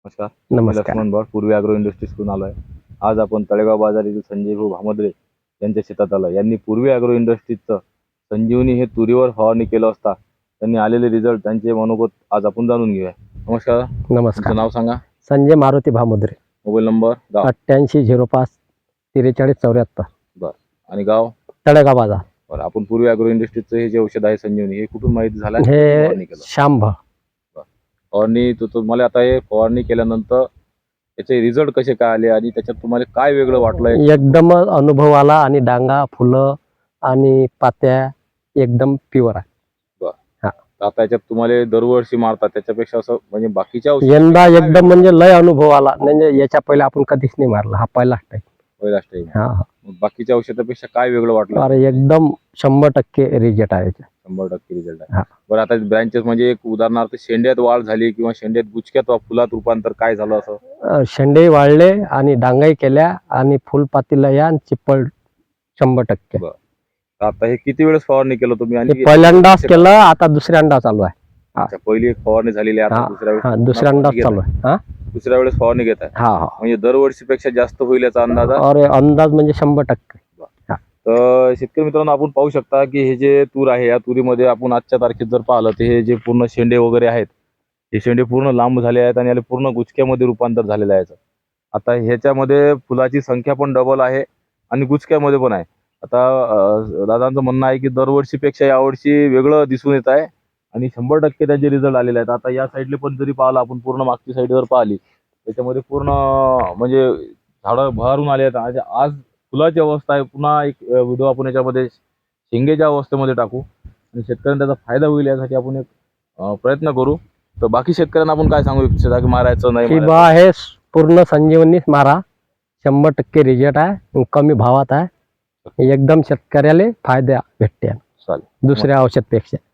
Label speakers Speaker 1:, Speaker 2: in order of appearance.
Speaker 1: नमस्कार. मी
Speaker 2: नमस्कार.
Speaker 1: लक्ष्मण भट, पूर्वी ॲग्रो इंडस्ट्रीजकडून आलो आहे. आज आपण तळेगाव बाजार येथील संजय भाऊ भामद्रे यांच्या शेतात आलो. यांनी पूर्वी ॲग्रो इंडस्ट्रीजचं संजीवनी हे तुरीवर फवारणी केलं असता त्यांनी आलेले रिझल्ट त्यांचे मनोगत आज आपण जाणून घेऊया. नमस्कार.
Speaker 2: नमस्कार.
Speaker 1: तुमचं नाव सांगा.
Speaker 2: संजय मारुती भामुद्रे.
Speaker 1: मोबाईल नंबर, गाव.
Speaker 2: 8805 4374.
Speaker 1: बरं. आणि गाव
Speaker 2: तळेगाव बाजार.
Speaker 1: बरं. आपण पूर्वी ॲग्रो इंडस्ट्रीजचं हे जे औषध आहे संजीवनी, हे कुठून माहिती झालं?
Speaker 2: हे
Speaker 1: फवारणी केलं
Speaker 2: शांभ.
Speaker 1: फवारणी तुम्हाला आता हे फवारणी केल्यानंतर त्याचे रिझल्ट कसे काय आले आणि त्याच्यात तुम्हाला काय वेगळं वाटलंय?
Speaker 2: एकदम अनुभव आला आणि डांगा फुलं आणि पात्या एकदम प्युअर आहे.
Speaker 1: आता याच्यात तुम्हाला दरवर्षी मारतात त्याच्यापेक्षा असं म्हणजे बाकीच्या औषध
Speaker 2: यंदा एकदम म्हणजे लय अनुभव आला. म्हणजे याच्या पहिले आपण कधीच नाही मारला, हा पहिलाच टाईम.
Speaker 1: पहिलाच टाइम.
Speaker 2: हा.
Speaker 1: बाकीच्या औषधापेक्षा काय वेगळं वाटलं?
Speaker 2: अरे एकदम 100% रिजल्ट आहे याचा.
Speaker 1: 100% रिझल्ट
Speaker 2: हा.
Speaker 1: आहे. बरं, आता ब्रँचेस म्हणजे एक उदाहरणार्थ शेंड्यात वाढ झाली किंवा शेंड्यात गुचक्यात वा फुलात रूपांतर काय झालं असं?
Speaker 2: शेंडे वाढले आणि डांगाई केल्या आणि फुलपातीला या आणि चिपळ 100%.
Speaker 1: बरं. तर आता हे किती वेळेस फवारणी केलं तुम्ही? आणि
Speaker 2: पहिल्यांदाच केलं, आता दुसऱ्यांदा चालू आहे.
Speaker 1: अच्छा, पहिली एक फवारणी झालेली आहे, आता दुसऱ्या वेळेस
Speaker 2: दुसऱ्यांदाच चालू आहे. हा,
Speaker 1: दुसऱ्या वेळेस फवारणी घेत आहे.
Speaker 2: हा.
Speaker 1: म्हणजे दरवर्षीपेक्षा जास्त होईल याचा अंदाज आहे?
Speaker 2: अरे अंदाज म्हणजे 100%.
Speaker 1: तर शेतकरी मित्रांनो, आपण पाहू शकता की हे जे तूर आहे, या तुरीमध्ये आपण आजच्या तारखेत जर पाहिलं तर हे जे पूर्ण शेंडे वगैरे आहेत, हे शेंडे पूर्ण लांब झाले आहेत आणि याला पूर्ण गुचक्यामध्ये रूपांतर झालेलं आहे. आता ह्याच्यामध्ये फुलाची संख्या पण डबल आहे आणि गुचक्यामध्ये पण आहे. आता दादांचं म्हणणं आहे की दरवर्षीपेक्षा यावर्षी वेगळं दिसून येत आहे आणि 100% त्याचे रिझल्ट आलेले आहेत. आता या साईडले पण जरी पाहिलं आपण, पूर्ण मागची साईड जर पाहिली त्याच्यामध्ये पूर्ण म्हणजे झाडं भरून आले आहेत. आज फुलाची अवस्था आहे. पुन्हा एक व्हिडिओ आपण याच्यामध्ये शेंगेच्या अवस्थेमध्ये टाकू आणि शेतकऱ्यांना त्याचा फायदा होईल यासाठी आपण एक प्रयत्न करू. तर बाकी शेतकऱ्यांना आपण काय सांगू इच्छिता की मारायचं नाही?
Speaker 2: हे पूर्ण संजीवनीच मारा, 100% रिजल्ट आहे, कमी भावात आहे, एकदम शेतकऱ्याला फायदा भेटते
Speaker 1: चालेल
Speaker 2: दुसऱ्या औषधपेक्षा.